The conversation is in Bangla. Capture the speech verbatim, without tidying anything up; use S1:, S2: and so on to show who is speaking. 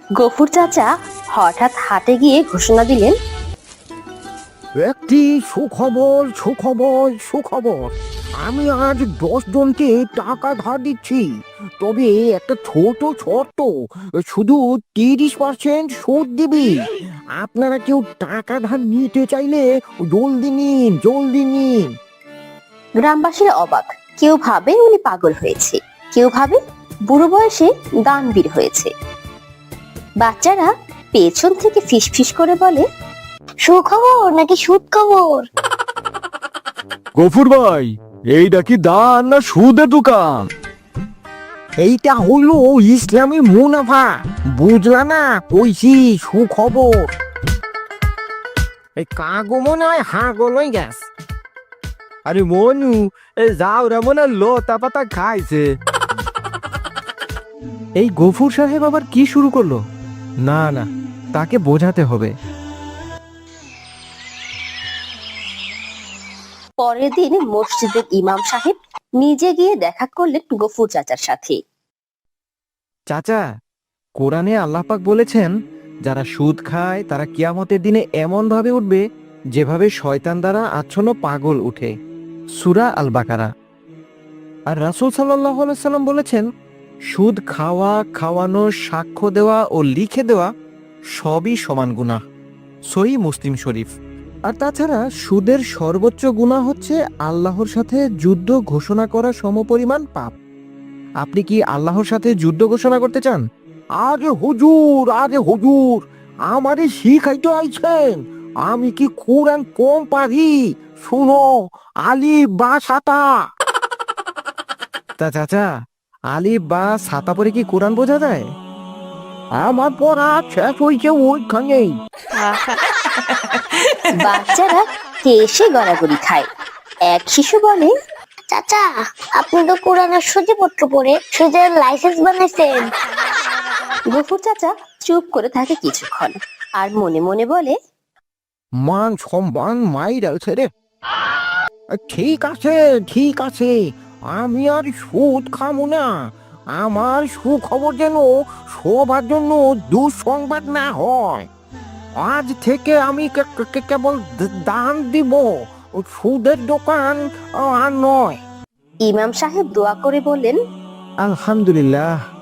S1: গফুর চাচা হঠাৎ হাটে গিয়ে ঘোষণা দিলেন,
S2: একটি সুখবর সুখবর সুখবর আমি আজ দশ জনকে টাকা ধার দিচ্ছি। তবে একটা ছোট শর্ত, শুধু তিরিশ পার্সেন্ট সুদ দিবি। আপনারা কেউ টাকা ধার নিতে চাইলে জলদি নিন, জলদি নিন।
S1: গ্রামবাসীরা অবাক। কেউ ভাবে উনি পাগল হয়েছে, কেউ ভাবে বুড়ো বয়সে দানবীর হয়েছে। বাচ্চারা পেছন থেকে ফিসফিস করে বলে, সুখবর নাকি সুদ খবর?
S3: গফুর ভাই, এইটা কি দান না সুদের দোকান?
S2: এইটা হলো ইসলামী মুনাফা, বুঝলা না? কইছি সুখবর। এই কাগো মনে হয় হাগো লই গেছ।
S3: আরে মনু, এই যাও রে মনে লতা পাতা খাইছে। এই গফুর সাহেব আবার কি শুরু করলো? না না, তাকে বোঝাতে হবে।
S1: পরের দিন মসজিদের ইমাম সাহেব নিজে গিয়ে দেখা করলেন গফুর চাচার সাথে।
S3: চাচা, কোরআনে আল্লাহ পাক বলেছেন, যারা সুদ খায় তারা কিয়ামতের দিনে এমন ভাবে উঠবে যেভাবে শয়তান দ্বারা আচ্ছন্ন পাগল উঠে। সূরা আল বাকারা। আর রাসূল সাল্লাল্লাহু আলাইহি সাল্লাম বলেছেন, সুদ খাওয়া, খাওয়ানো, সাক্ষ্য দেওয়া ও লিখে দেওয়া সবই সমান গুনাহ। সহিহ মুসলিম শরীফ। আর তাছাড়া সুদের সর্বোচ্চ গুনাহ হচ্ছে আল্লাহর সাথে যুদ্ধ ঘোষণা করা সমপরিমাণ পাপ। আপনি কি আল্লাহর সাথে যুদ্ধ ঘোষণা করতে চান?
S2: আরে হুজুর, আরে হুজুর, আমারে শিখাইতে আইছেন? আমি কি কোরআন কম পারি? শুনো, আলিফ বা সাতা।
S3: তা চাচা, আলিফ বা ছাতা পরে কি কোরআন বোঝা যায়?
S2: আমার পড়া শেষ হয়েছে ওইখানেই।
S1: বাচ্চারা হেসে গড়াগড়ি খায়। এক শিশু বলে, চাচা, আপনি তো কোরআনের সূচিপত্র পড়ে সুদের লাইসেন্স বানাইছেন। গফুর চাচা চুপ করে থাকে কিছুক্ষণ, আর মনে মনে বলে,
S2: মান সম্মান মাইরাছে রে। ঠিক আছে, ঠিক আছে, আমি আর সুদ খামো না। আমার সুখবর যেন সবার জন্য দুঃসংবাদ না হয়। আজ থেকে আমি কে- কে- কেবল দ- দান দিব, সুদের দোকান আর নয়।
S1: ইমাম সাহেব দোয়া করে বললেন,
S3: আলহামদুলিল্লাহ,